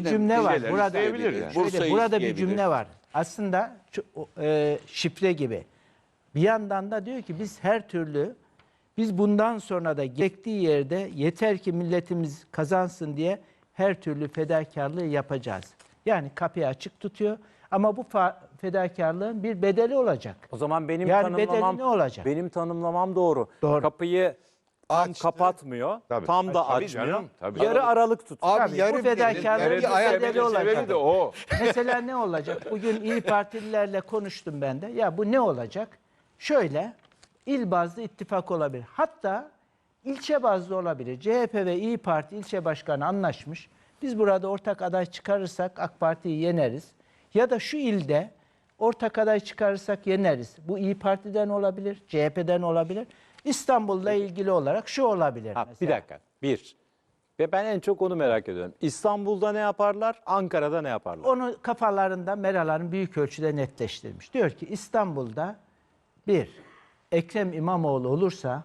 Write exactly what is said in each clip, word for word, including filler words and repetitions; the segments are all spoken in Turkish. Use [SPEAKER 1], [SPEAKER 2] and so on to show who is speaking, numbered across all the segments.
[SPEAKER 1] cümle var.
[SPEAKER 2] şeyler
[SPEAKER 1] Burada
[SPEAKER 2] isteyebilir yani.
[SPEAKER 1] şöyle,
[SPEAKER 3] Bursa'yı
[SPEAKER 1] burada bir
[SPEAKER 3] isteyebilir.
[SPEAKER 1] cümle var. Aslında şu, e, şifre gibi. Bir yandan da diyor ki biz her türlü biz bundan sonra da gerektiği yerde yeter ki milletimiz kazansın diye her türlü fedakarlığı yapacağız. Yani kapıyı açık tutuyor ama bu fedakarlığın bir bedeli olacak.
[SPEAKER 4] O zaman benim
[SPEAKER 1] Yani
[SPEAKER 4] tanımlamam
[SPEAKER 1] bedeli ne olacak?
[SPEAKER 4] benim tanımlamam doğru.
[SPEAKER 1] Doğru.
[SPEAKER 4] Kapıyı tam
[SPEAKER 5] Açtı.
[SPEAKER 4] kapatmıyor,
[SPEAKER 2] Tabii.
[SPEAKER 4] tam da
[SPEAKER 2] Tabii
[SPEAKER 4] açmıyor.
[SPEAKER 2] canım, tabii.
[SPEAKER 4] Yarı aralık tutuyor.
[SPEAKER 5] Abi
[SPEAKER 1] Tabii,
[SPEAKER 5] yarı
[SPEAKER 1] bu fedakarlığın
[SPEAKER 2] Nerede
[SPEAKER 1] bir
[SPEAKER 5] ayak-
[SPEAKER 1] bedeli olacak.
[SPEAKER 2] sebebi de o.
[SPEAKER 1] Mesela ne olacak? Bugün İyi Partililerle konuştum ben de. Ya bu ne olacak? Şöyle, il bazlı ittifak olabilir. Hatta ilçe bazlı olabilir. C H P ve İyi Parti ilçe başkanı anlaşmış. Biz burada ortak aday çıkarırsak AK Parti'yi yeneriz. Ya da şu ilde ortak aday çıkarırsak yeneriz. Bu İyi Parti'den olabilir, C H P'den olabilir. İstanbul'la ilgili olarak şu olabilir
[SPEAKER 4] Ha,
[SPEAKER 1] mesela.
[SPEAKER 4] bir dakika. Bir. Ve ben en çok onu merak ediyorum. İstanbul'da ne yaparlar? Ankara'da ne yaparlar?
[SPEAKER 1] Onu kafalarında Meral Hanım büyük ölçüde netleştirmiş. Diyor ki İstanbul'da bir, Ekrem İmamoğlu olursa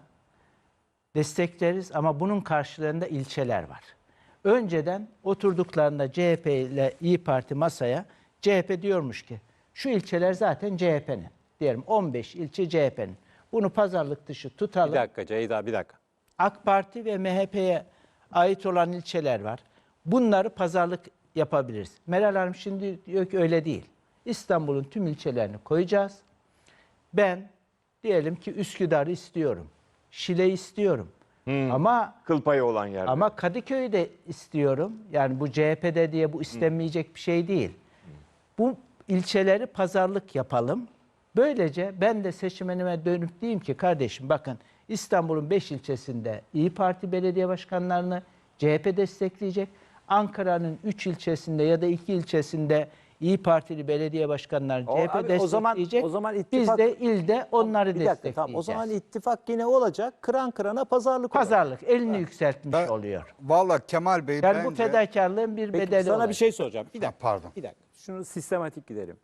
[SPEAKER 1] destekleriz ama bunun karşılığında ilçeler var. Önceden oturduklarında C H P ile İyi Parti masaya C H P diyormuş ki şu ilçeler zaten C H P'nin. Diyelim on beş ilçe C H P'nin. Bunu pazarlık dışı tutalım.
[SPEAKER 4] Bir dakika Ceyda, bir dakika.
[SPEAKER 1] AK Parti ve M H P'ye ait olan ilçeler var. Bunları pazarlık yapabiliriz. Meral Hanım şimdi diyor ki öyle değil. İstanbul'un tüm ilçelerini koyacağız. Ben diyelim ki Üsküdar'ı istiyorum. Şile istiyorum. Ama
[SPEAKER 2] Kıl payı olan yerde.
[SPEAKER 1] ama Kadıköy'ü de istiyorum. Yani bu C H P'de diye bu istenmeyecek bir şey değil. Bu ilçeleri pazarlık yapalım. Böylece ben de seçmenime dönüp diyeyim ki kardeşim bakın İstanbul'un beş ilçesinde İyi Parti belediye başkanlarını C H P destekleyecek. Ankara'nın üç ilçesinde ya da iki ilçesinde İyi Partili belediye başkanlarını
[SPEAKER 4] O-
[SPEAKER 1] C H P
[SPEAKER 4] abi, o zaman-
[SPEAKER 1] destekleyecek.
[SPEAKER 4] o zaman
[SPEAKER 1] Biz
[SPEAKER 4] ittifak-
[SPEAKER 1] de ilde onları
[SPEAKER 4] Bir dakika,
[SPEAKER 1] destekleyeceğiz.
[SPEAKER 4] tamam. O zaman ittifak yine olacak. Kıran kırana pazarlık olacak.
[SPEAKER 1] Pazarlık elini yükseltmiş
[SPEAKER 5] Ben-
[SPEAKER 1] oluyor.
[SPEAKER 5] Vallahi Kemal Bey
[SPEAKER 1] Yani
[SPEAKER 5] bence...
[SPEAKER 1] bu fedakarlığın bir
[SPEAKER 4] Peki,
[SPEAKER 1] bedeli
[SPEAKER 4] sana
[SPEAKER 1] olacak.
[SPEAKER 4] bir şey soracağım. Bir dakika.
[SPEAKER 5] pardon.
[SPEAKER 4] Bir dakika. Şunu sistematik gidelim.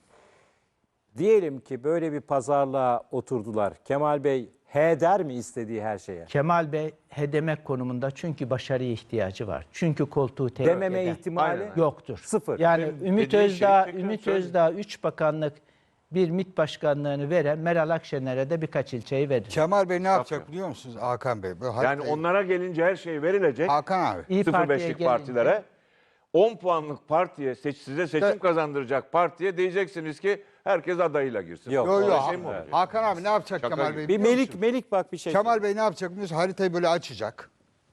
[SPEAKER 4] Diyelim ki böyle bir pazarlığa oturdular. Kemal Bey he der mi istediği her şeye?
[SPEAKER 1] Kemal Bey he demek konumunda çünkü başarıya ihtiyacı var. Çünkü koltuğu tehdit
[SPEAKER 4] Dememe
[SPEAKER 1] eder.
[SPEAKER 4] ihtimali
[SPEAKER 2] Aynen.
[SPEAKER 1] Yoktur.
[SPEAKER 4] Sıfır.
[SPEAKER 1] Yani
[SPEAKER 2] Benim
[SPEAKER 1] Ümit
[SPEAKER 2] dediğin
[SPEAKER 1] Özdağ,
[SPEAKER 2] şeyi tekrar
[SPEAKER 1] Ümit
[SPEAKER 2] söyle.
[SPEAKER 1] Özdağ üç bakanlık bir MİT başkanlığını veren Meral Akşener'e de birkaç ilçeyi verir.
[SPEAKER 5] Kemal Bey ne yapacak biliyor musunuz Hakan Bey? Böyle
[SPEAKER 2] Yani
[SPEAKER 5] hatta-
[SPEAKER 2] onlara gelince her şey verilecek.
[SPEAKER 5] Hakan abi.
[SPEAKER 1] İyi
[SPEAKER 2] sıfır
[SPEAKER 1] Parti'ye
[SPEAKER 2] beşlik
[SPEAKER 1] gelince-
[SPEAKER 2] partilere. on puanlık partiye, seç, size seçim
[SPEAKER 5] Evet.
[SPEAKER 2] kazandıracak partiye diyeceksiniz ki herkes adayıyla girsin.
[SPEAKER 4] Yok.
[SPEAKER 5] Yo, yo,
[SPEAKER 2] Öyle
[SPEAKER 5] Ha-
[SPEAKER 2] şey mi olacak?
[SPEAKER 5] Hakan abi ne yapacak
[SPEAKER 2] Şaka
[SPEAKER 5] Kemal
[SPEAKER 2] gibi.
[SPEAKER 5] Bey
[SPEAKER 4] Bir
[SPEAKER 5] biliyor
[SPEAKER 4] Melik
[SPEAKER 5] musun?
[SPEAKER 4] Melik bak bir şey.
[SPEAKER 5] Kemal Bey ne yapacak biliyor musun? Haritayı böyle açacak.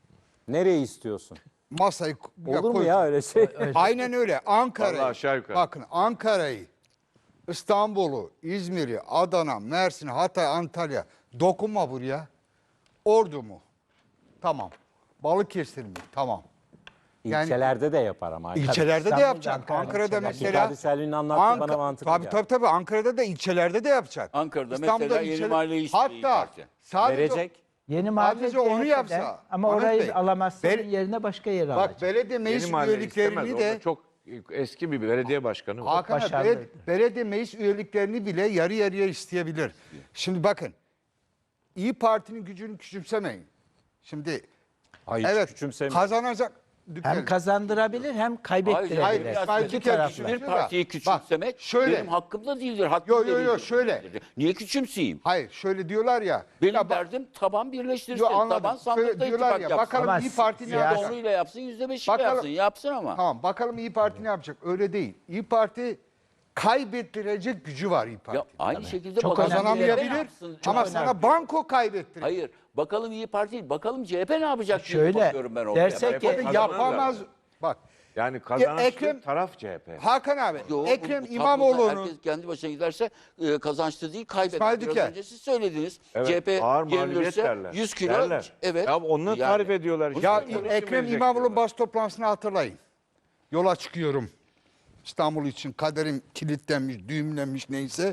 [SPEAKER 4] Nereyi istiyorsun?
[SPEAKER 5] Masayı
[SPEAKER 4] Olur mu
[SPEAKER 5] koyacak.
[SPEAKER 4] ya öyle şey?
[SPEAKER 5] Aynen öyle.
[SPEAKER 2] Vallahi
[SPEAKER 5] Ankara'yı.
[SPEAKER 2] aşağı yukarı.
[SPEAKER 5] Bakın Ankara'yı, İstanbul'u, İzmir'i, Adana, Mersin, Hatay, Antalya. Dokunma buraya. Ordu mu? Tamam. Balıkesir mi? Tamam. Yani-
[SPEAKER 4] İlçelerde de yapar ama.
[SPEAKER 5] İlçelerde de
[SPEAKER 1] İstanbul'da,
[SPEAKER 5] yapacak.
[SPEAKER 1] Ankara'da
[SPEAKER 5] Ankara'da
[SPEAKER 1] ilçelerde.
[SPEAKER 5] mesela.
[SPEAKER 4] Abdülkadir Selvi'nin anlattığı bana mantıklı
[SPEAKER 5] Tabii
[SPEAKER 4] geldi.
[SPEAKER 5] tabii tabii. Ankara'da da ilçelerde de yapacak.
[SPEAKER 3] Ankara'da mesela Yeni Mahalle istiyor İYİ
[SPEAKER 5] Hatta
[SPEAKER 3] Parti.
[SPEAKER 5] sadece
[SPEAKER 4] Verecek.
[SPEAKER 1] Yeni mahalle
[SPEAKER 5] Sadece onu
[SPEAKER 1] C H P'den
[SPEAKER 5] yapsa,
[SPEAKER 1] ama
[SPEAKER 5] Ahmet
[SPEAKER 1] orayı
[SPEAKER 5] Bey,
[SPEAKER 1] alamazsa
[SPEAKER 5] ben-
[SPEAKER 1] onun yerine başka yer alacak.
[SPEAKER 5] bak belediye meclis
[SPEAKER 2] Yeni mahalle istemez.
[SPEAKER 5] üyeliklerini
[SPEAKER 2] Orada
[SPEAKER 5] de
[SPEAKER 2] çok eski bir belediye başkanı var.
[SPEAKER 5] Hakan abi,
[SPEAKER 1] başarılıdır.
[SPEAKER 5] belediye, belediye meclis üyeliklerini bile yarı yarıya isteyebilir. Şimdi bakın. İyi Parti'nin gücünü küçümsemeyin. Şimdi
[SPEAKER 4] Hayır,
[SPEAKER 5] evet
[SPEAKER 4] küçümsemiyorum.
[SPEAKER 5] kazanacak.
[SPEAKER 1] Hem kazandırabilir hem kaybettirebilir.
[SPEAKER 5] hayır,
[SPEAKER 3] Hayır,
[SPEAKER 5] hayır,
[SPEAKER 3] iki
[SPEAKER 5] bir kere
[SPEAKER 3] taraflı.
[SPEAKER 5] küçümsüyor
[SPEAKER 3] Bir
[SPEAKER 5] da.
[SPEAKER 3] partiyi
[SPEAKER 5] Bak,
[SPEAKER 3] küçümsemek
[SPEAKER 5] şöyle.
[SPEAKER 3] benim hakkım da değildir. Hakkım
[SPEAKER 5] Yo,
[SPEAKER 3] da
[SPEAKER 5] yo, yo,
[SPEAKER 3] değildir.
[SPEAKER 5] şöyle.
[SPEAKER 3] Niye küçümseyeyim?
[SPEAKER 5] Hayır şöyle diyorlar ya.
[SPEAKER 3] Benim
[SPEAKER 5] ya bak-
[SPEAKER 3] derdim taban birleştirsin.
[SPEAKER 5] Yo, anladım.
[SPEAKER 3] Taban
[SPEAKER 5] Şöyle
[SPEAKER 3] sandıkta
[SPEAKER 5] diyorlar
[SPEAKER 3] ittifak
[SPEAKER 5] ya,
[SPEAKER 3] yapsın.
[SPEAKER 5] bakalım
[SPEAKER 1] Ama
[SPEAKER 5] İyi Parti ne
[SPEAKER 1] siyasi-
[SPEAKER 5] yapacak?
[SPEAKER 3] Yüzde onuyla yapsın, yüzde beşiyle
[SPEAKER 5] Bakalım-
[SPEAKER 3] yapsın. Yapsın ama.
[SPEAKER 5] Tamam bakalım İyi Parti ne yapacak? Öyle değil. İyi Parti kaybettirecek gücü var İyi Parti.
[SPEAKER 3] Ya aynı şekilde
[SPEAKER 1] Çok
[SPEAKER 3] bakalım
[SPEAKER 5] Kazanamayabilir
[SPEAKER 3] C H P ne yapsın?
[SPEAKER 5] ama
[SPEAKER 3] Çok
[SPEAKER 5] sana
[SPEAKER 3] önemli.
[SPEAKER 5] banko kaybettirecek.
[SPEAKER 3] Hayır. Bakalım İyi Parti değil. Bakalım C H P ne yapacak diye
[SPEAKER 1] Şöyle,
[SPEAKER 3] bakıyorum ben oraya.
[SPEAKER 1] dersek ki-
[SPEAKER 2] Kazanırlar.
[SPEAKER 5] Yapamaz. Bak
[SPEAKER 2] Yani kazanan
[SPEAKER 5] Ekrem-
[SPEAKER 2] taraf C H P.
[SPEAKER 5] Hakan abi
[SPEAKER 3] Yo, bu-
[SPEAKER 5] Ekrem
[SPEAKER 3] bu tabloda
[SPEAKER 5] İmamoğlu'nun
[SPEAKER 3] herkes kendi başına giderse e, kazançlı değil kaybeder.
[SPEAKER 5] İsmail
[SPEAKER 3] Biraz
[SPEAKER 5] Diker.
[SPEAKER 3] önce siz söylediniz.
[SPEAKER 2] Evet,
[SPEAKER 3] C H P
[SPEAKER 2] ağır mağlubiyet
[SPEAKER 3] yenilirse
[SPEAKER 2] derler.
[SPEAKER 3] yüz kilo.
[SPEAKER 2] Derler.
[SPEAKER 3] Evet.
[SPEAKER 2] Ya onu
[SPEAKER 3] Yani-
[SPEAKER 2] tarif ediyorlar. işte.
[SPEAKER 5] ya
[SPEAKER 2] Konuşun
[SPEAKER 5] Ekrem
[SPEAKER 2] verecek
[SPEAKER 5] İmamoğlu'nun
[SPEAKER 2] diyorlar.
[SPEAKER 5] bas toplantısını hatırlayın. Yola çıkıyorum. İstanbul için kaderim kilitlenmiş, düğümlenmiş neyse.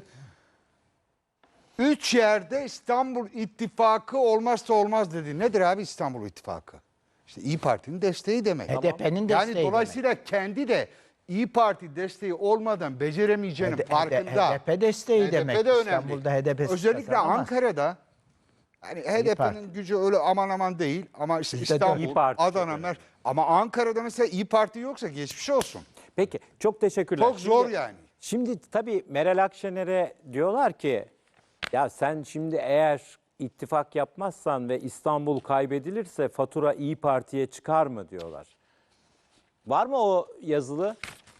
[SPEAKER 5] Üç yerde İstanbul İttifakı olmazsa olmaz dedi. Nedir abi İstanbul İttifakı? İşte İyi Parti'nin desteği demek.
[SPEAKER 1] H D P'nin
[SPEAKER 5] Yani
[SPEAKER 1] desteği
[SPEAKER 5] dolayısıyla kendi de İyi Parti desteği olmadan beceremeyeceğinin
[SPEAKER 1] demek.
[SPEAKER 5] farkında.
[SPEAKER 1] H D P desteği
[SPEAKER 5] H D P
[SPEAKER 1] demek.
[SPEAKER 5] de önemli.
[SPEAKER 1] İstanbul'da H D P'siz
[SPEAKER 5] Özellikle
[SPEAKER 1] kazanamaz.
[SPEAKER 5] Ankara'da hani H D
[SPEAKER 1] Parti.
[SPEAKER 5] P'nin gücü öyle aman aman değil ama işte
[SPEAKER 1] Bizde de
[SPEAKER 5] İstanbul,
[SPEAKER 4] İYİ Parti çok
[SPEAKER 5] Adana, Mer ama Ankara'da mesela İyi Parti yoksa geçmiş olsun.
[SPEAKER 4] Peki çok teşekkürler.
[SPEAKER 5] Çok zor
[SPEAKER 4] Şimdi-
[SPEAKER 5] yani.
[SPEAKER 4] Şimdi tabii Meral Akşener'e diyorlar ki ya sen şimdi eğer ittifak yapmazsan ve İstanbul kaybedilirse fatura İyi Parti'ye çıkar mı diyorlar. Var mı o yazılı?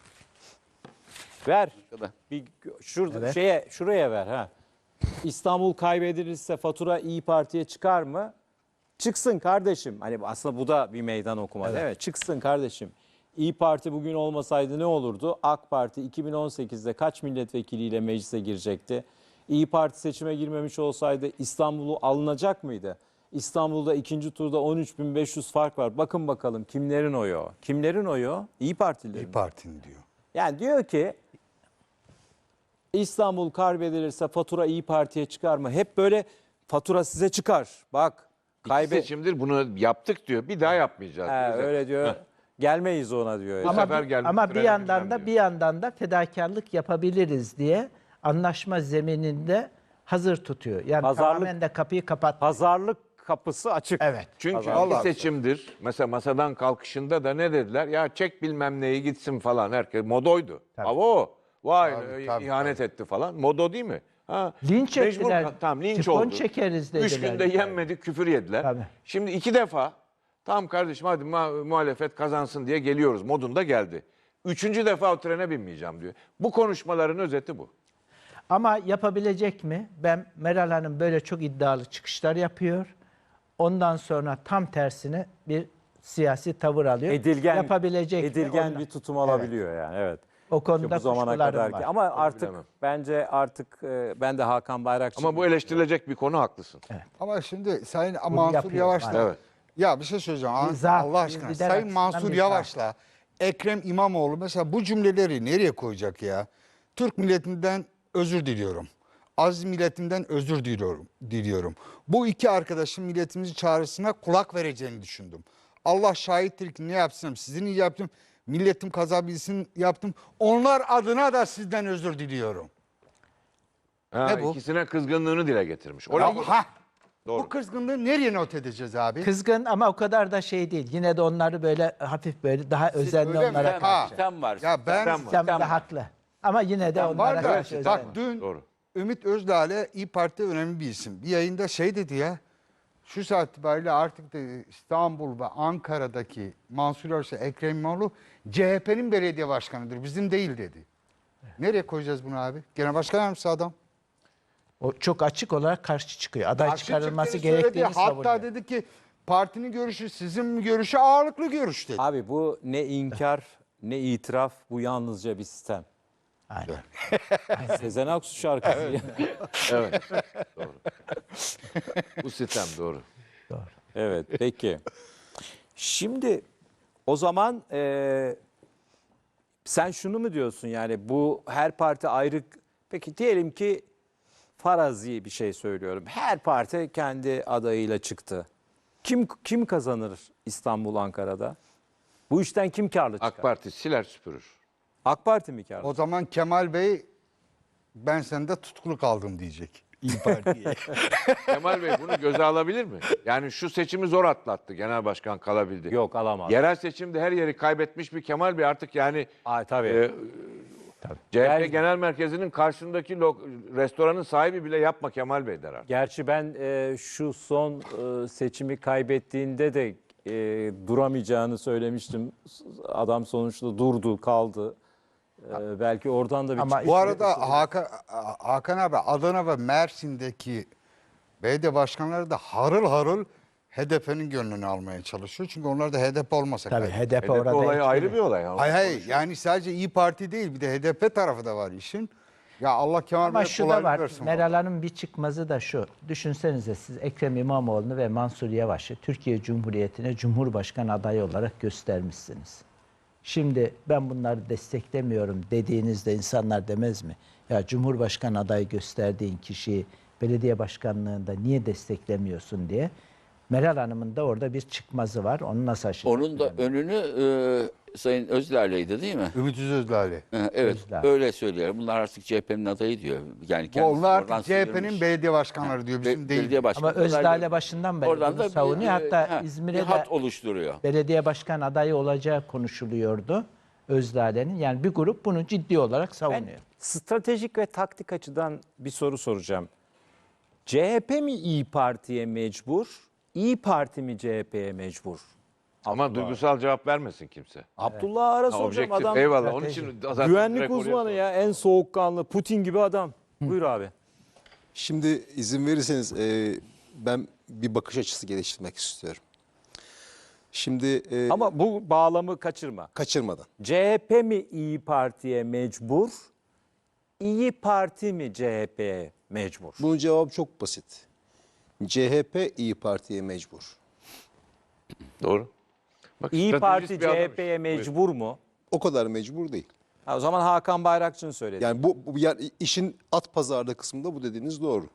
[SPEAKER 4] Ver.
[SPEAKER 3] Kadar.
[SPEAKER 4] Bir şurada
[SPEAKER 1] Evet.
[SPEAKER 4] şeye şuraya ver ha. İstanbul kaybedilirse fatura İyi Parti'ye çıkar mı? Çıksın kardeşim. Hani aslında bu da bir meydan okuma değil mi? Çıksın kardeşim. İyi Parti bugün olmasaydı ne olurdu? AK Parti iki bin on sekizde kaç milletvekiliyle meclise girecekti? İyi Parti seçime girmemiş olsaydı İstanbul'u alınacak mıydı? İstanbul'da ikinci turda on üç bin beş yüz fark var. Bakın bakalım kimlerin oyu o? Kimlerin oyu o? İyi Partililerin.
[SPEAKER 5] İyi Parti'nin diyor.
[SPEAKER 4] Yani diyor ki İstanbul kaybedilirse fatura İyi Parti'ye çıkar mı? Hep böyle fatura size çıkar. Bak
[SPEAKER 2] İki
[SPEAKER 4] kaybe
[SPEAKER 2] seçimdir bunu yaptık diyor. Bir daha yapmayacağız.
[SPEAKER 4] He,
[SPEAKER 2] diyor.
[SPEAKER 4] öyle diyor. Gelmeyiz ona diyor.
[SPEAKER 2] Bu
[SPEAKER 1] Ama,
[SPEAKER 2] sefer
[SPEAKER 1] bir-
[SPEAKER 2] gelmiş,
[SPEAKER 1] ama bir
[SPEAKER 2] trene
[SPEAKER 1] yandan
[SPEAKER 2] binmem
[SPEAKER 1] da
[SPEAKER 2] diyor.
[SPEAKER 1] bir yandan da fedakarlık yapabiliriz diye anlaşma zemininde hazır tutuyor. Yani
[SPEAKER 4] Pazarlık-
[SPEAKER 1] tamamen de kapıyı kapat.
[SPEAKER 4] Pazarlık kapısı açık.
[SPEAKER 1] Evet.
[SPEAKER 2] Çünkü
[SPEAKER 4] Pazarlık.
[SPEAKER 2] iki seçimdir. Mesela masadan kalkışında da ne dediler? Ya çek bilmem neyi gitsin falan. Herkes modoydu.
[SPEAKER 1] Tabii.
[SPEAKER 2] Ama o vay
[SPEAKER 5] Tabii,
[SPEAKER 2] e,
[SPEAKER 5] tabii,
[SPEAKER 2] ihanet etti falan. Modo değil mi? Ha,
[SPEAKER 1] Linç
[SPEAKER 2] mecbur
[SPEAKER 1] ettiler.
[SPEAKER 2] kal- Tamam linç
[SPEAKER 1] Tifon
[SPEAKER 2] oldu.
[SPEAKER 1] çekeriz
[SPEAKER 2] Üç
[SPEAKER 1] dediler.
[SPEAKER 2] günde yenmedik küfür yediler.
[SPEAKER 1] Tabii.
[SPEAKER 2] Şimdi iki defa tamam kardeşim hadi ma- muhalefet kazansın diye geliyoruz modunda geldi. Üçüncü defa o trene binmeyeceğim diyor. Bu konuşmaların özeti bu.
[SPEAKER 1] Ama yapabilecek mi? Ben Meral Hanım böyle çok iddialı çıkışlar yapıyor. Ondan sonra tam tersine bir siyasi tavır alıyor.
[SPEAKER 4] Edilgen,
[SPEAKER 1] Yapabilecek mi?
[SPEAKER 4] edilgen
[SPEAKER 1] Ondan-
[SPEAKER 4] bir tutum alabiliyor yani evet.
[SPEAKER 1] O konuda
[SPEAKER 4] Bu zamana
[SPEAKER 1] kuşkularım
[SPEAKER 4] kadar
[SPEAKER 1] var.
[SPEAKER 4] ki. Ama artık
[SPEAKER 2] bilemem.
[SPEAKER 4] bence artık e, ben de Hakan Bayrakçı.
[SPEAKER 2] Ama bu eleştirilecek bir konu haklısın.
[SPEAKER 5] Ama şimdi Sayın Mansur
[SPEAKER 1] yapıyor,
[SPEAKER 5] Yavaş'la
[SPEAKER 1] maalesef.
[SPEAKER 2] Evet.
[SPEAKER 5] ya bir şey söyleyeceğim
[SPEAKER 1] Bir zaaf,
[SPEAKER 5] Allah
[SPEAKER 1] bir
[SPEAKER 5] aşkına.
[SPEAKER 1] lider
[SPEAKER 5] Sayın
[SPEAKER 1] açısından
[SPEAKER 5] Mansur
[SPEAKER 1] bir
[SPEAKER 5] Yavaş'la Ekrem İmamoğlu mesela bu cümleleri nereye koyacak ya? Türk milletinden özür diliyorum. Aziz milletimden özür diliyorum. diliyorum. Bu iki arkadaşın milletimizin çağrısına kulak vereceğini düşündüm. Allah şahittir ki ne yapsam sizin iyi yaptım. Milletim kazabilsin yaptım. Onlar adına da sizden özür diliyorum.
[SPEAKER 2] Ha,
[SPEAKER 5] Ne bu?
[SPEAKER 2] İkisine kızgınlığını dile getirmiş.
[SPEAKER 5] Ya,
[SPEAKER 2] Orayı,
[SPEAKER 5] ha,
[SPEAKER 2] Doğru.
[SPEAKER 5] bu kızgınlığı nereye not edeceğiz abi?
[SPEAKER 1] Kızgın ama o kadar da şey değil. Yine de onları böyle hafif böyle daha özenli
[SPEAKER 5] öyle mi?
[SPEAKER 1] onlara
[SPEAKER 5] Ha.
[SPEAKER 1] karşı.
[SPEAKER 3] Sistem var.
[SPEAKER 5] Ya ben
[SPEAKER 2] Sistem var.
[SPEAKER 1] Sistem de
[SPEAKER 3] Sistem var.
[SPEAKER 1] haklı. Ama yine de onlara
[SPEAKER 5] var da
[SPEAKER 1] karşı özenli.
[SPEAKER 5] bak dün
[SPEAKER 2] Doğru.
[SPEAKER 5] Ümit Özdağ'la İYİ Parti önemli bir isim. Bir yayında şey dedi ya. Şu saat itibariyle artık dedi, İstanbul ve Ankara'daki Mansur Yavaş ve Ekrem İmamoğlu C H P'nin belediye başkanıdır. Bizim değil dedi. Nereye koyacağız bunu abi? Genel başkan yardımcısı adam.
[SPEAKER 1] O çok açık olarak karşı çıkıyor. Aday
[SPEAKER 5] Karşı
[SPEAKER 1] çıkarılması
[SPEAKER 5] çıktığını söyledi.
[SPEAKER 1] gerektiğini savunuyor.
[SPEAKER 5] Hatta dedi ki partinin görüşü sizin görüşü ağırlıklı görüş dedi.
[SPEAKER 4] Abi bu ne inkar ne itiraf, bu yalnızca bir sistem.
[SPEAKER 1] Aynen.
[SPEAKER 4] Sezen Aksu şarkısı. ya.
[SPEAKER 2] Evet. Doğru. Bu sistem doğru.
[SPEAKER 4] Evet peki. Şimdi o zaman e, sen şunu mu diyorsun yani bu her parti ayrı. Peki diyelim ki farazi bir şey söylüyorum. Her parti kendi adayıyla çıktı. Kim kim kazanır İstanbul, Ankara'da? Bu işten kim karlı çıkar?
[SPEAKER 2] AK Parti siler süpürür.
[SPEAKER 4] AK Parti mi karlı?
[SPEAKER 5] O zaman Kemal Bey ben sende tutkulu kaldım diyecek. İyi Parti'ye.
[SPEAKER 2] Kemal Bey bunu göze alabilir mi? Yani şu seçimi zor atlattı. Genel başkan kalabildi.
[SPEAKER 4] Yok alamaz.
[SPEAKER 2] Yerel seçimde her yeri kaybetmiş bir Kemal Bey artık yani
[SPEAKER 4] Ay, tabii.
[SPEAKER 2] e, C H P
[SPEAKER 4] Yani-
[SPEAKER 2] Genel Merkezi'nin karşısındaki lok- restoranın sahibi bile yapma Kemal Bey der artık.
[SPEAKER 4] Gerçi ben e, şu son e, seçimi kaybettiğinde de e, duramayacağını söylemiştim. Adam sonuçta durdu, kaldı. E, belki oradan da bir
[SPEAKER 1] Ama
[SPEAKER 4] çıkış-
[SPEAKER 5] Bu arada Hakan, Hakan abi Adana ve Mersin'deki belediye başkanları da harıl harıl H D P'nin gönlünü almaya çalışıyor. Çünkü onlar da H D P olmasa
[SPEAKER 1] Tabii
[SPEAKER 5] kaybeder.
[SPEAKER 1] H D P
[SPEAKER 2] H D P
[SPEAKER 1] orada
[SPEAKER 2] olayı
[SPEAKER 1] etkili.
[SPEAKER 2] ayrı bir olay. ya.
[SPEAKER 5] Hayır hayır yani sadece İyi Parti değil bir de H D P tarafı da var işin. Ya Allah Kemal
[SPEAKER 1] Ama
[SPEAKER 5] Bey
[SPEAKER 1] şu da
[SPEAKER 5] kolaylık
[SPEAKER 1] var.
[SPEAKER 5] versin.
[SPEAKER 1] Meral Hanım bir çıkmazı da şu. Düşünsenize siz Ekrem İmamoğlu'nu ve Mansur Yavaş'ı Türkiye Cumhuriyeti'ne Cumhurbaşkanı adayı olarak göstermişsiniz. Şimdi ben bunları desteklemiyorum dediğinizde insanlar demez mi? Ya Cumhurbaşkanı adayı gösterdiğin kişiyi belediye başkanlığında niye desteklemiyorsun diye. Meral Hanım'ın da orada bir çıkmazı var. Onu nasıl aşacak?
[SPEAKER 3] Onun da önünü Sayın Özlale'ydi değil mi?
[SPEAKER 5] Ümit Özdağ'ı.
[SPEAKER 3] Ee, Evet,
[SPEAKER 1] Özdağ.
[SPEAKER 3] öyle söylüyor. Bunlar artık C H P'nin adayı diyor. Yani kendisi
[SPEAKER 5] Onlar
[SPEAKER 3] oradan
[SPEAKER 5] artık C H P'nin
[SPEAKER 3] sıyrılmış.
[SPEAKER 5] belediye başkanları diyor. Bizim
[SPEAKER 3] Be-
[SPEAKER 5] değil.
[SPEAKER 3] belediye başkanı.
[SPEAKER 1] Ama Özdağ'la başından beri
[SPEAKER 3] Oradan
[SPEAKER 1] bunu
[SPEAKER 3] da bir,
[SPEAKER 1] savunuyor.
[SPEAKER 3] e,
[SPEAKER 1] Hatta
[SPEAKER 3] ha,
[SPEAKER 1] İzmir'e
[SPEAKER 3] bir
[SPEAKER 1] de
[SPEAKER 3] hat oluşturuyor.
[SPEAKER 1] belediye başkan adayı olacağı konuşuluyordu Özdağ'ın. Yani bir grup bunu ciddi olarak
[SPEAKER 4] Ben
[SPEAKER 1] savunuyor.
[SPEAKER 4] stratejik ve taktik açıdan bir soru soracağım. C H P mi İyi Parti'ye mecbur? İyi Parti mi C H P'ye mecbur?
[SPEAKER 2] Ama duygusal cevap vermesin kimse.
[SPEAKER 4] Abdullah Ara
[SPEAKER 2] Ha,
[SPEAKER 4] soracağım
[SPEAKER 2] objektif.
[SPEAKER 4] adam.
[SPEAKER 2] Eyvallah. Onun için zaten
[SPEAKER 4] Güvenlik
[SPEAKER 2] direkt oraya
[SPEAKER 4] uzmanı
[SPEAKER 2] sor.
[SPEAKER 4] ya, en soğukkanlı Putin gibi adam. Buyur abi.
[SPEAKER 6] Şimdi izin verirseniz e, ben bir bakış açısı geliştirmek istiyorum. Şimdi e,
[SPEAKER 4] Ama bu bağlamı kaçırma.
[SPEAKER 6] kaçırmadan.
[SPEAKER 4] C H P mi İyi Parti'ye mecbur? İyi Parti mi C H P'ye mecbur?
[SPEAKER 6] Bunun cevabı çok basit. C H P İyi Parti'ye mecbur.
[SPEAKER 2] Doğru. Bak,
[SPEAKER 4] İyi
[SPEAKER 2] stratejist
[SPEAKER 4] Parti
[SPEAKER 2] bir adam
[SPEAKER 4] C H
[SPEAKER 2] işte.
[SPEAKER 4] P'ye
[SPEAKER 2] Buyur.
[SPEAKER 4] mecbur mu?
[SPEAKER 6] O kadar mecbur değil.
[SPEAKER 4] Ha, o zaman Hakan Bayrakçı'nın söyledi.
[SPEAKER 6] Yani bu, bu yani işin at pazarlığı kısmında bu dediğiniz doğru.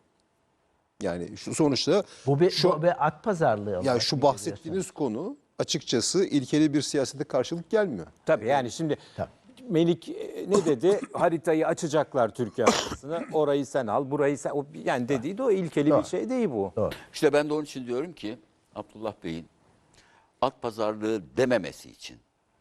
[SPEAKER 6] Yani şu sonuçta
[SPEAKER 1] Bu bir,
[SPEAKER 6] şu
[SPEAKER 1] bu bir at pazarlığı. olarak
[SPEAKER 6] yani şu
[SPEAKER 1] mı
[SPEAKER 6] bahsettiğiniz konu açıkçası ilkeli bir siyasete karşılık gelmiyor.
[SPEAKER 4] Tabii yani şimdi
[SPEAKER 1] Tabii.
[SPEAKER 4] Melik e, ne dedi? Haritayı açacaklar Türkiye haritasını. Orayı sen al, burayı sen... O, yani dediği de o ilkeli bir şey değil bu.
[SPEAKER 1] Doğru.
[SPEAKER 3] İşte ben de onun için diyorum ki Abdullah Bey'in at pazarlığı dememesi için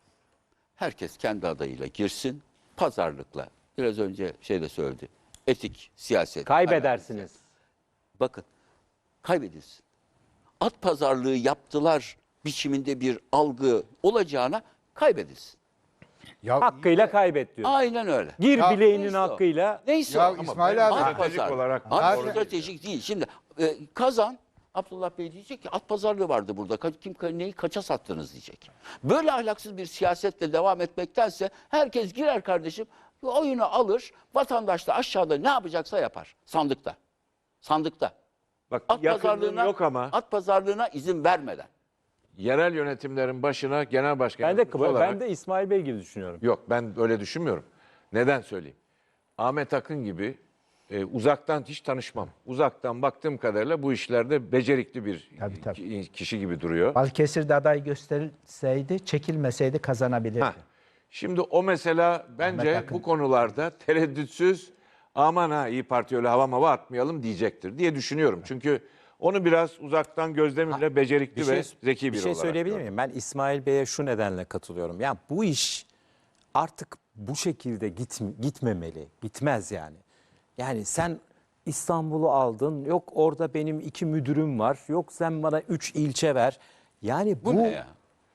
[SPEAKER 3] herkes kendi adayıyla girsin. Pazarlıkla. Biraz önce şey de söyledi. Etik, siyaset.
[SPEAKER 4] Kaybedersiniz.
[SPEAKER 3] Bakın kaybedilsin. At pazarlığı yaptılar biçiminde bir algı olacağına kaybedilsin.
[SPEAKER 5] Ya,
[SPEAKER 4] Hakkıyla kaybet diyor.
[SPEAKER 3] Aynen öyle.
[SPEAKER 4] Gir
[SPEAKER 5] Ya,
[SPEAKER 4] bileğinin
[SPEAKER 3] neyse o.
[SPEAKER 4] hakkıyla.
[SPEAKER 3] Neyse
[SPEAKER 5] Ya
[SPEAKER 3] o.
[SPEAKER 5] İsmail abi.
[SPEAKER 3] At
[SPEAKER 2] Stratejik
[SPEAKER 3] pazarlığı.
[SPEAKER 2] olarak
[SPEAKER 3] At
[SPEAKER 2] doğru
[SPEAKER 3] stratejik değil. Şimdi e, kazan Abdullah Bey diyecek ki at pazarlığı vardı burada. Ka- Kim ka- neyi kaça sattınız diyecek. Böyle ahlaksız bir siyasetle devam etmektense herkes girer kardeşim. Oyunu alır. Vatandaş da aşağıda ne yapacaksa yapar. Sandıkta. Sandıkta.
[SPEAKER 2] Bak
[SPEAKER 3] At
[SPEAKER 2] yakınlığım
[SPEAKER 3] pazarlığına,
[SPEAKER 2] yok ama
[SPEAKER 3] at pazarlığına izin vermeden.
[SPEAKER 2] yerel yönetimlerin başına genel başkan
[SPEAKER 4] Ben de,
[SPEAKER 2] yardımcısı olarak...
[SPEAKER 4] ben de İsmail Bey gibi düşünüyorum.
[SPEAKER 2] Yok, ben öyle düşünmüyorum. Neden söyleyeyim? Ahmet Akın gibi e, uzaktan hiç tanışmam. Uzaktan baktığım kadarıyla bu işlerde becerikli bir
[SPEAKER 1] Tabii, tabii.
[SPEAKER 2] ki- kişi gibi duruyor.
[SPEAKER 1] Balıkesir'de aday gösterilseydi, çekilmeseydi kazanabilirdi.
[SPEAKER 2] Ha. Şimdi o mesela bence
[SPEAKER 1] Akın.
[SPEAKER 2] bu konularda tereddütsüz aman ha İyi Parti öyle hava mava atmayalım diyecektir diye düşünüyorum. Çünkü onu biraz uzaktan gözlemimle becerikli ve zeki bir,
[SPEAKER 4] bir şey
[SPEAKER 2] olarak
[SPEAKER 4] söyleyebilir
[SPEAKER 2] gördüm.
[SPEAKER 4] miyim? Ben İsmail Bey'e şu nedenle katılıyorum. Yani bu iş artık bu şekilde git, gitmemeli. Gitmez yani. Yani sen İstanbul'u aldın. Yok orada benim iki müdürüm var. Yok sen bana üç ilçe ver. Yani bu,
[SPEAKER 3] Bu, ne ya?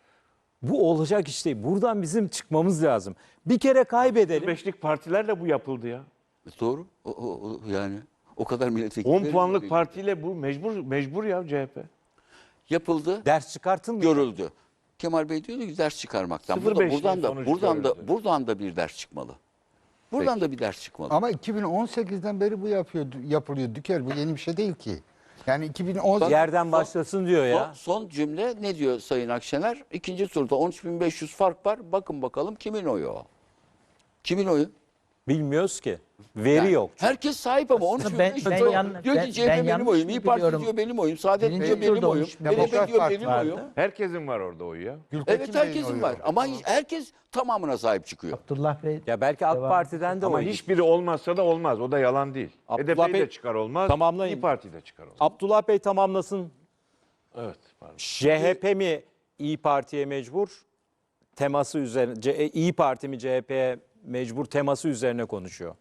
[SPEAKER 4] bu olacak iş değil. Buradan bizim çıkmamız lazım. Bir kere kaybedelim.
[SPEAKER 2] Beşlik partilerle bu yapıldı ya.
[SPEAKER 3] Doğru. O, o, o- yani o kadar milletvekili.
[SPEAKER 2] on puanlık partiyle bu mecbur mecbur ya C H P.
[SPEAKER 3] yapıldı.
[SPEAKER 4] Ders çıkartılmıyor.
[SPEAKER 3] Görüldü. Kemal Bey diyordu ki ders çıkarmaktan.
[SPEAKER 2] Sıfır
[SPEAKER 3] Burada,
[SPEAKER 2] beşli
[SPEAKER 3] buradan da
[SPEAKER 2] sonuç
[SPEAKER 3] buradan da
[SPEAKER 2] görüldü.
[SPEAKER 3] buradan da bir ders çıkmalı. Buradan da bir ders çıkmalı.
[SPEAKER 5] ama iki bin on sekizden beri bu yapıyor, yapılıyor Dükel. Bu yeni bir şey değil ki. Yani iki bin on sekiz
[SPEAKER 4] Yerden başlasın diyor
[SPEAKER 3] Son,
[SPEAKER 4] ya.
[SPEAKER 3] son cümle ne diyor Sayın Akşener? İkinci turda on üç bin beş yüz fark var. Bakın bakalım kimin oyu o? Kimin oyu?
[SPEAKER 4] Bilmiyoruz ki. Veri
[SPEAKER 3] Yani
[SPEAKER 4] yok.
[SPEAKER 3] Herkes sahip ama on üç bin
[SPEAKER 1] ben-
[SPEAKER 3] beş yüz
[SPEAKER 1] ben
[SPEAKER 3] oy.
[SPEAKER 1] yan-
[SPEAKER 3] Diyor
[SPEAKER 1] ben-
[SPEAKER 3] ki C H P
[SPEAKER 1] ben
[SPEAKER 3] benim
[SPEAKER 1] yanlış
[SPEAKER 3] oyum,
[SPEAKER 1] mı
[SPEAKER 3] İyi Parti
[SPEAKER 1] biliyorum?
[SPEAKER 3] diyor benim oyum, Saadet
[SPEAKER 1] Birinci
[SPEAKER 3] diyor benim
[SPEAKER 1] turda
[SPEAKER 3] oyum,
[SPEAKER 1] on üç bin
[SPEAKER 3] B D P
[SPEAKER 5] Demokrat
[SPEAKER 3] diyor
[SPEAKER 5] Parti
[SPEAKER 3] benim
[SPEAKER 1] vardı.
[SPEAKER 3] oyum.
[SPEAKER 2] Herkesin var orada oyu ya.
[SPEAKER 5] Gültekin
[SPEAKER 3] Evet
[SPEAKER 5] Bey'in
[SPEAKER 3] herkesin
[SPEAKER 5] oyu
[SPEAKER 3] var
[SPEAKER 5] yok.
[SPEAKER 3] ama herkes tamamına sahip çıkıyor.
[SPEAKER 1] Abdullah Bey
[SPEAKER 4] Ya belki AK
[SPEAKER 1] Devam.
[SPEAKER 4] Parti'den de
[SPEAKER 2] Ama
[SPEAKER 4] oy.
[SPEAKER 2] hiçbiri olmazsa da olmaz. O da yalan değil.
[SPEAKER 4] Abdullah
[SPEAKER 2] H D P'yi
[SPEAKER 4] Bey-
[SPEAKER 2] de çıkar olmaz.
[SPEAKER 4] Tamamlayın.
[SPEAKER 2] İyi Parti de çıkar olmaz.
[SPEAKER 4] Abdullah Bey tamamlasın.
[SPEAKER 2] Evet. Pardon.
[SPEAKER 4] C H P mi İyi Parti'ye mecbur? Teması üzerine C- İyi Parti mi C H P'ye mecbur teması üzerine konuşuyor.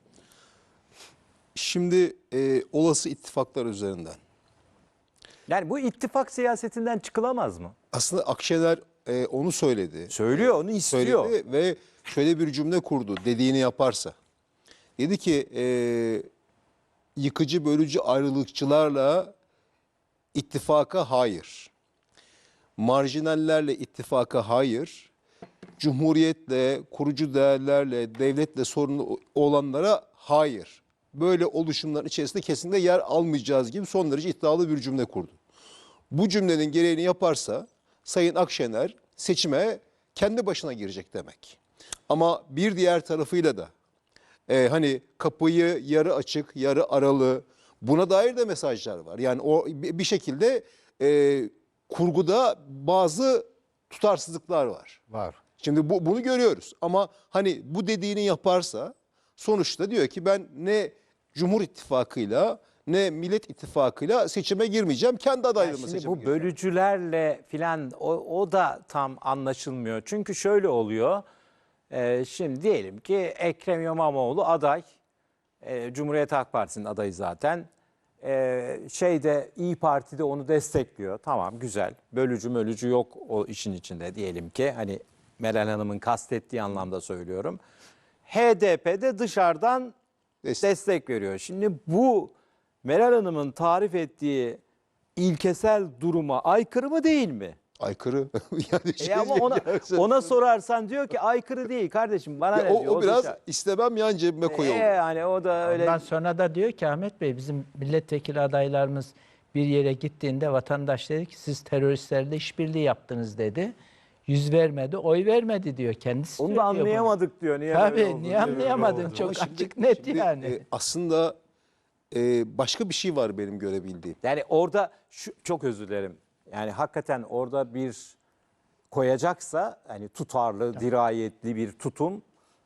[SPEAKER 6] Şimdi e, olası ittifaklar üzerinden.
[SPEAKER 4] Yani bu ittifak siyasetinden çıkılamaz mı?
[SPEAKER 6] Aslında Akşener e, onu söyledi.
[SPEAKER 4] Söylüyor, onu istiyor.
[SPEAKER 6] Söyledi ve şöyle bir cümle kurdu dediğini yaparsa. Dedi ki e, yıkıcı bölücü ayrılıkçılarla ittifaka hayır. Marjinallerle ittifaka hayır. Cumhuriyetle, kurucu değerlerle, devletle sorunlu olanlara hayır. Böyle oluşumların içerisinde kesinlikle yer almayacağız gibi son derece iddialı bir cümle kurdu. Bu cümlenin gereğini yaparsa Sayın Akşener seçime kendi başına girecek demek. Ama bir diğer tarafıyla da e, hani kapıyı yarı açık, yarı aralı buna dair de mesajlar var. Yani o bir şekilde e, kurguda bazı tutarsızlıklar var.
[SPEAKER 5] Var.
[SPEAKER 6] Şimdi bu, bunu görüyoruz ama hani bu dediğini yaparsa sonuçta diyor ki ben ne Cumhur İttifakı'yla ne Millet İttifakı'yla seçime girmeyeceğim. Kendi adaylığımı
[SPEAKER 4] Şimdi
[SPEAKER 6] seçime
[SPEAKER 4] bu
[SPEAKER 6] gireceğim.
[SPEAKER 4] bölücülerle filan o, o da tam anlaşılmıyor. Çünkü şöyle oluyor. Ee, şimdi diyelim ki Ekrem İmamoğlu aday. Ee, Cumhuriyet Halk Partisi'nin adayı zaten. Ee, şeyde İyi Parti de onu destekliyor. Tamam, güzel. Bölücü mölücü yok o işin içinde diyelim ki. Hani Meral Hanım'ın kastettiği anlamda söylüyorum. H D P de dışarıdan
[SPEAKER 6] Destek.
[SPEAKER 4] destek veriyor. Şimdi bu Meral Hanım'ın tarif ettiği ilkesel duruma aykırı mı değil mi?
[SPEAKER 6] Aykırı. yani
[SPEAKER 4] E ama ona ona sorarsan diyor ki aykırı değil kardeşim, bana
[SPEAKER 6] Ya
[SPEAKER 4] ne
[SPEAKER 6] o,
[SPEAKER 4] diyor.
[SPEAKER 6] o biraz
[SPEAKER 4] dışarı-
[SPEAKER 6] istemem yan cebime koyalım.
[SPEAKER 4] E yani o da öyle.
[SPEAKER 1] Ondan sonra da diyor ki Ahmet Bey, bizim milletvekili adaylarımız bir yere gittiğinde vatandaş dedi ki siz teröristlerle işbirliği yaptınız dedi. Yüz vermedi, oy vermedi diyor. Kendisi
[SPEAKER 4] Onu da
[SPEAKER 1] söylüyor bunu.
[SPEAKER 4] anlayamadık diyor. Niye böyle
[SPEAKER 1] Tabii
[SPEAKER 4] oldu
[SPEAKER 1] niye
[SPEAKER 4] diyor.
[SPEAKER 1] anlayamadın?
[SPEAKER 6] Ama
[SPEAKER 1] Çok
[SPEAKER 6] şimdi-
[SPEAKER 1] açık net
[SPEAKER 6] şimdi,
[SPEAKER 1] yani.
[SPEAKER 6] e, aslında e, başka bir şey var benim görebildiğim.
[SPEAKER 4] Yani orada şu, çok özür dilerim. Yani hakikaten orada bir koyacaksa hani tutarlı, dirayetli bir tutum,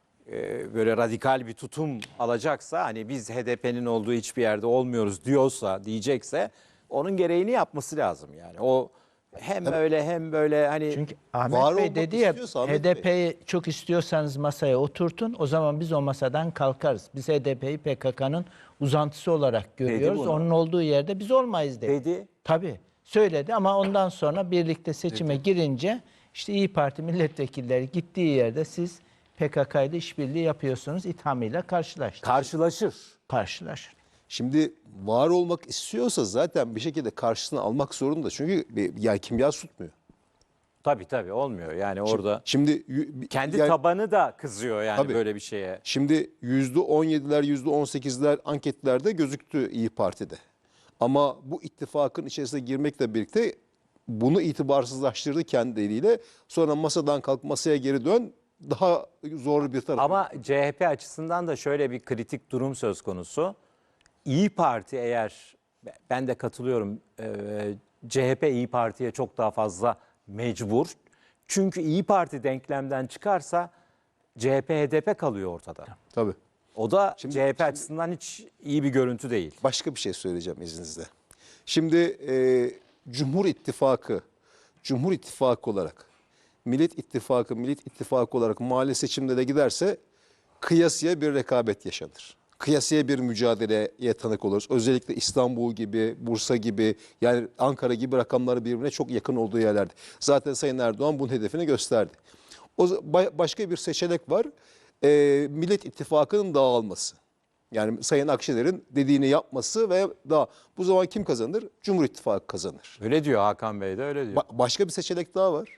[SPEAKER 4] e, böyle radikal bir tutum alacaksa, hani biz H D P'nin olduğu hiçbir yerde olmuyoruz diyorsa, diyecekse onun gereğini yapması lazım yani. O hem öyle hem böyle hani
[SPEAKER 1] Çünkü Ahmet
[SPEAKER 6] var
[SPEAKER 1] Bey
[SPEAKER 6] olmak
[SPEAKER 1] dedi ya,
[SPEAKER 6] istiyorsa Ahmet
[SPEAKER 1] H D P'yi çok istiyorsanız masaya oturtun, o zaman biz o masadan kalkarız. Biz H D P'yi P K K'nın uzantısı olarak görüyoruz.
[SPEAKER 4] bunu.
[SPEAKER 1] Onun olduğu yerde biz olmayız dedi.
[SPEAKER 4] dedi.
[SPEAKER 1] Tabii söyledi ama ondan sonra birlikte seçime girince işte İyi Parti milletvekilleri gittiği yerde siz P K K ile işbirliği yapıyorsunuz ithamıyla karşılaştı.
[SPEAKER 4] Karşılaşır.
[SPEAKER 1] Karşılaşır.
[SPEAKER 6] Şimdi var olmak istiyorsa zaten bir şekilde karşısına almak zorunda. Çünkü bir- yani kimya tutmuyor.
[SPEAKER 4] Tabii tabii olmuyor yani orada.
[SPEAKER 6] Şimdi y-
[SPEAKER 4] Kendi
[SPEAKER 6] yani-
[SPEAKER 4] tabanı da kızıyor yani
[SPEAKER 6] Tabii.
[SPEAKER 4] böyle bir şeye.
[SPEAKER 6] Şimdi yüzde on yediler, yüzde on sekizler anketlerde gözüktü İyi Parti'de. Ama bu ittifakın içerisine girmekle birlikte bunu itibarsızlaştırdı kendi eliyle. Sonra masadan kalk masaya geri dön, daha zor bir taraf.
[SPEAKER 4] Ama C H P açısından da şöyle bir kritik durum söz konusu. İyi Parti eğer, ben de katılıyorum, e, C H P İyi Parti'ye çok daha fazla mecbur. Çünkü İyi Parti denklemden çıkarsa C H P H D P kalıyor ortada.
[SPEAKER 6] Tabii.
[SPEAKER 4] O da
[SPEAKER 6] Şimdi-
[SPEAKER 4] C H P
[SPEAKER 6] şimdi-
[SPEAKER 4] açısından hiç iyi bir görüntü değil.
[SPEAKER 6] Başka bir şey söyleyeceğim izninizle. Şimdi e, Cumhur İttifakı, Cumhur İttifakı olarak, Millet İttifakı, Millet İttifakı olarak mahalle seçimde de giderse kıyasıya bir rekabet yaşanır. Kıyasıya bir mücadeleye tanık oluruz. Özellikle İstanbul gibi, Bursa gibi, yani Ankara gibi rakamları birbirine çok yakın olduğu yerlerde. Zaten Sayın Erdoğan bunun hedefini gösterdi. O ba- başka bir seçenek var. E, Millet İttifakı'nın dağılması. Yani Sayın Akşener'in dediğini yapması ve daha bu zaman kim kazanır? Cumhur İttifakı kazanır.
[SPEAKER 4] Öyle diyor Hakan Bey de öyle diyor.
[SPEAKER 6] Ba- başka bir seçenek daha var.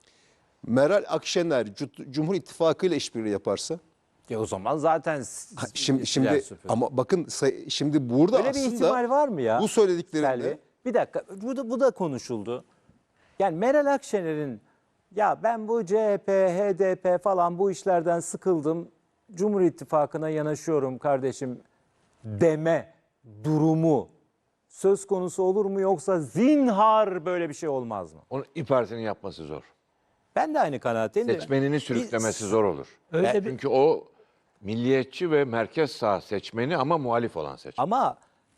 [SPEAKER 6] Meral Akşener Cu- Cumhur İttifakı ile işbirliği yaparsa,
[SPEAKER 4] E o zaman zaten s-
[SPEAKER 6] ha, şimdi
[SPEAKER 4] siler
[SPEAKER 6] şimdi
[SPEAKER 4] süpürür.
[SPEAKER 6] ama bakın say- şimdi burada
[SPEAKER 4] Öyle bir
[SPEAKER 6] aslında
[SPEAKER 4] ihtimal var mı ya?
[SPEAKER 6] bu söylediklerinde
[SPEAKER 4] Selvi? Bir dakika, bu da, bu da konuşuldu. Yani Meral Akşener'in ya ben bu C H P, H D P falan bu işlerden sıkıldım, Cumhur İttifakı'na yanaşıyorum kardeşim deme durumu söz konusu olur mu, yoksa zinhar böyle bir şey olmaz mı?
[SPEAKER 2] Onu İYİ Parti'nin yapması zor.
[SPEAKER 4] Ben de aynı kanaatteyim de.
[SPEAKER 2] Seçmenini sürüklemesi zor olur.
[SPEAKER 1] Öyle bir
[SPEAKER 2] Çünkü o milliyetçi ve merkez sağ seçmeni ama muhalif olan seçmen.
[SPEAKER 4] Ama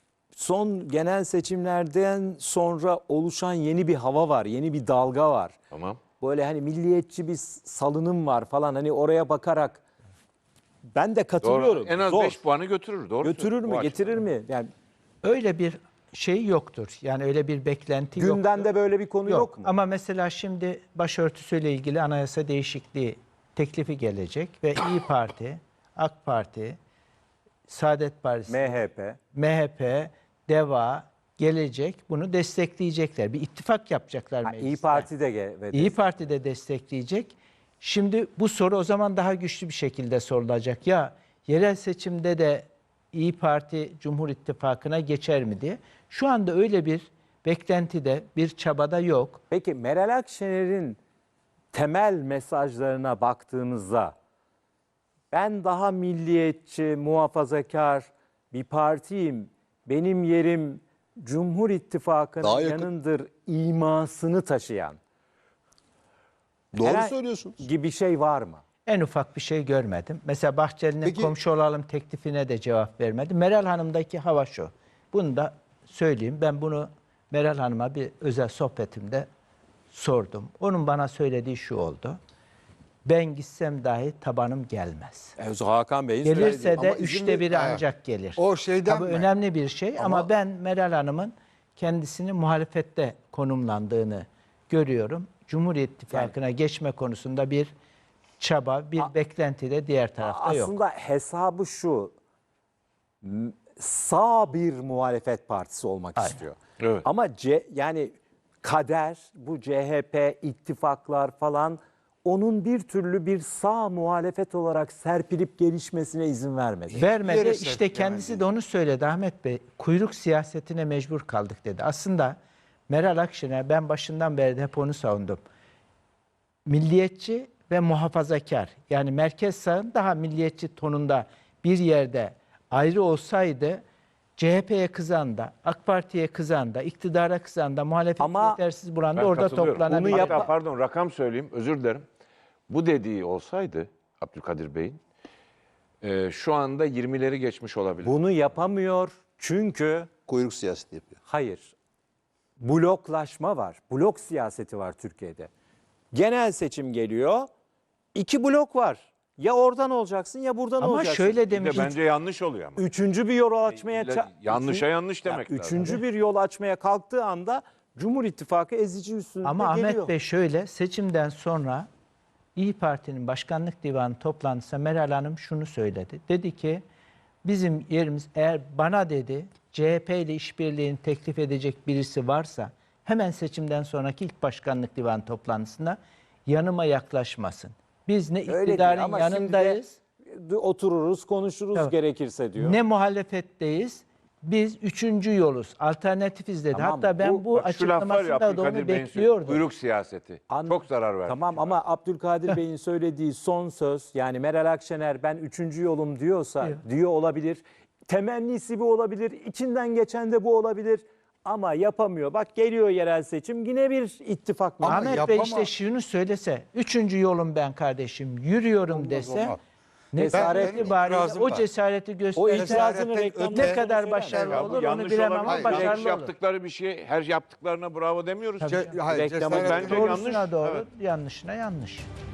[SPEAKER 4] son genel seçimlerden sonra oluşan yeni bir hava var, yeni bir dalga var.
[SPEAKER 2] Tamam.
[SPEAKER 4] Böyle hani milliyetçi bir salınım var falan, hani oraya bakarak ben de
[SPEAKER 2] Doğru.
[SPEAKER 4] katılıyorum.
[SPEAKER 2] En az
[SPEAKER 4] Zor.
[SPEAKER 2] beş puanı götürür. Doğru
[SPEAKER 4] Götürür
[SPEAKER 2] söylüyorsun.
[SPEAKER 4] mü,
[SPEAKER 2] O
[SPEAKER 4] getirir
[SPEAKER 2] açıdan.
[SPEAKER 4] mi? Yani
[SPEAKER 1] öyle bir şey yoktur. Yani öyle bir beklenti yoktur.
[SPEAKER 4] gündemde böyle bir konu yok, mu?
[SPEAKER 1] Ama mesela şimdi başörtüsüyle ilgili anayasa değişikliği teklifi gelecek ve İyi Parti, AK Parti, Saadet Partisi,
[SPEAKER 4] M H P.
[SPEAKER 1] M H P, DEVA, Gelecek bunu destekleyecekler. Bir ittifak yapacaklar
[SPEAKER 4] Ha,
[SPEAKER 1] mecliste.
[SPEAKER 4] İyi Parti de ge- ve
[SPEAKER 1] İyi
[SPEAKER 4] destek-
[SPEAKER 1] Parti de destekleyecek. Şimdi bu soru o zaman daha güçlü bir şekilde sorulacak. Ya yerel seçimde de İyi Parti Cumhur İttifakı'na geçer mi diye. Şu anda öyle bir beklentide, bir çabada yok.
[SPEAKER 4] Peki Meral Akşener'in temel mesajlarına baktığımızda ben daha milliyetçi, muhafazakar bir partiyim, benim yerim Cumhur
[SPEAKER 6] Daha yakın-
[SPEAKER 4] İttifakı'nın yanındır imasını taşıyan.
[SPEAKER 6] Doğru
[SPEAKER 4] Herhangi-
[SPEAKER 6] söylüyorsunuz.
[SPEAKER 4] gibi bir şey var mı?
[SPEAKER 1] En ufak bir şey görmedim. Mesela Bahçeli'nin
[SPEAKER 6] Peki-
[SPEAKER 1] komşu olalım teklifine de cevap vermedi. Meral Hanım'daki hava şu. Bunu da söyleyeyim. Ben bunu Meral Hanım'a bir özel sohbetimde sordum. Onun bana söylediği şu oldu. Ben gitsem dahi tabanım gelmez.
[SPEAKER 4] E, Hakan Bey'in
[SPEAKER 1] Gelirse
[SPEAKER 4] söylediği.
[SPEAKER 1] de
[SPEAKER 5] Ama izin
[SPEAKER 1] üçte
[SPEAKER 5] ver-
[SPEAKER 1] biri
[SPEAKER 5] Evet.
[SPEAKER 1] ancak gelir.
[SPEAKER 5] O şeyden
[SPEAKER 1] Tabii
[SPEAKER 5] mi?
[SPEAKER 1] önemli bir şey ama,
[SPEAKER 5] Ama-
[SPEAKER 1] ben Meral Hanım'ın kendisini muhalefette konumlandığını görüyorum. Cumhur İttifakı'na geçme konusunda bir çaba, bir beklenti de diğer tarafta yok.
[SPEAKER 4] Aslında hesabı şu. m- Sağ bir muhalefet partisi olmak istiyor.
[SPEAKER 2] Evet.
[SPEAKER 4] Ama C, yani kader, bu C H P, ittifaklar falan onun bir türlü bir sağ muhalefet olarak serpilip gelişmesine izin vermedi.
[SPEAKER 1] Vermedi.
[SPEAKER 5] Yere
[SPEAKER 1] İşte
[SPEAKER 5] serpilemedi.
[SPEAKER 1] kendisi de onu söyledi Ahmet Bey. Kuyruk siyasetine mecbur kaldık dedi. Aslında Meral Akşener, ben başından beri de hep onu savundum. Milliyetçi ve muhafazakar. Yani merkez sağın daha milliyetçi tonunda bir yerde ayrı olsaydı C H P'ye kızan da, AK Parti'ye kızan da, iktidara kızan da, muhalefeti
[SPEAKER 4] Ama
[SPEAKER 1] yetersiz bulan da
[SPEAKER 2] Ben
[SPEAKER 1] orada
[SPEAKER 2] katılıyorum.
[SPEAKER 1] toplanabilir.
[SPEAKER 4] Bunu
[SPEAKER 2] Hatta
[SPEAKER 4] yap-
[SPEAKER 2] pardon rakam söyleyeyim, özür dilerim. Bu dediği olsaydı Abdülkadir Bey'in e, şu anda yirmileri geçmiş olabilir.
[SPEAKER 4] Bunu yapamıyor çünkü
[SPEAKER 6] Kuyruk siyaseti yapıyor.
[SPEAKER 4] hayır. Bloklaşma var. Blok siyaseti var Türkiye'de. Genel seçim geliyor. İki blok var. Ya oradan olacaksın ya buradan
[SPEAKER 1] Ama
[SPEAKER 4] olacaksın.
[SPEAKER 1] şöyle
[SPEAKER 2] Bir de
[SPEAKER 1] demiş.
[SPEAKER 2] bence yanlış oluyor ama.
[SPEAKER 4] Üçüncü bir yol açmaya
[SPEAKER 2] İlla
[SPEAKER 4] ça-
[SPEAKER 2] yanlışa
[SPEAKER 4] üçün-
[SPEAKER 2] yanlış demek
[SPEAKER 4] Ya,
[SPEAKER 2] lazım.
[SPEAKER 4] Üçüncü bir yol açmaya kalktığı anda Cumhur İttifakı ezici üstünlükle
[SPEAKER 1] Ama
[SPEAKER 4] geliyor.
[SPEAKER 1] Ahmet Bey şöyle, seçimden sonra İyi Parti'nin başkanlık divanı toplantısında Meral Hanım şunu söyledi. Dedi ki bizim yerimiz, eğer bana dedi C H P ile işbirliğini teklif edecek birisi varsa hemen seçimden sonraki ilk başkanlık divanı toplantısında yanıma yaklaşmasın. Biz ne
[SPEAKER 4] Öyle değil
[SPEAKER 1] iktidarın
[SPEAKER 4] ama şimdi de
[SPEAKER 1] yanındayız,
[SPEAKER 4] otururuz, konuşuruz
[SPEAKER 1] Evet.
[SPEAKER 4] gerekirse diyor.
[SPEAKER 1] ne muhalefetteyiz. Biz üçüncü yoluz, alternatifiz dedi.
[SPEAKER 4] Tamam,
[SPEAKER 1] Hatta ben
[SPEAKER 4] bu-
[SPEAKER 1] bu,
[SPEAKER 2] Bak şu laf var ya
[SPEAKER 1] açıklamasında da onu
[SPEAKER 2] Abdülkadir Bey'in söylediği,
[SPEAKER 1] bekliyordum.
[SPEAKER 2] kuyruk siyaseti.
[SPEAKER 4] An-
[SPEAKER 2] Çok zarar verdi.
[SPEAKER 4] Tamam ama Abdülkadir Bey'in söylediği son söz, yani Meral Akşener ben üçüncü yolum diyorsa
[SPEAKER 1] Diyor.
[SPEAKER 4] diyor olabilir. Temennisi bu olabilir. İçinden geçen de bu olabilir. Ama yapamıyor. Bak geliyor yerel seçim yine bir ittifak mı?
[SPEAKER 5] Ama
[SPEAKER 1] Ahmet Bey
[SPEAKER 5] yapama-
[SPEAKER 1] işte şunu söylese, üçüncü yolum ben kardeşim, yürüyorum dese,
[SPEAKER 5] olmaz.
[SPEAKER 1] ne
[SPEAKER 4] Cesaret-
[SPEAKER 5] benim
[SPEAKER 1] itibariyle
[SPEAKER 5] itirazım
[SPEAKER 1] o
[SPEAKER 5] var.
[SPEAKER 1] cesareti
[SPEAKER 4] O
[SPEAKER 1] gösterirse
[SPEAKER 4] itirazını
[SPEAKER 5] cesaretten
[SPEAKER 4] reklamda
[SPEAKER 1] ne kadar
[SPEAKER 4] söyler.
[SPEAKER 1] başarılı
[SPEAKER 2] Ya bu
[SPEAKER 1] olur onu
[SPEAKER 2] yanlış
[SPEAKER 1] bilemem
[SPEAKER 2] olabilir.
[SPEAKER 1] ama
[SPEAKER 5] Hayır,
[SPEAKER 2] Yanlış
[SPEAKER 1] başarılı olur.
[SPEAKER 2] yaptıkları bir şey, her yaptıklarına bravo demiyoruz.
[SPEAKER 5] Ce- hayır,
[SPEAKER 4] Reklamı
[SPEAKER 5] cesaretten-
[SPEAKER 2] bence
[SPEAKER 1] Doğrusuna
[SPEAKER 2] yanlış.
[SPEAKER 1] doğru,
[SPEAKER 2] Evet.
[SPEAKER 1] yanlışına yanlış.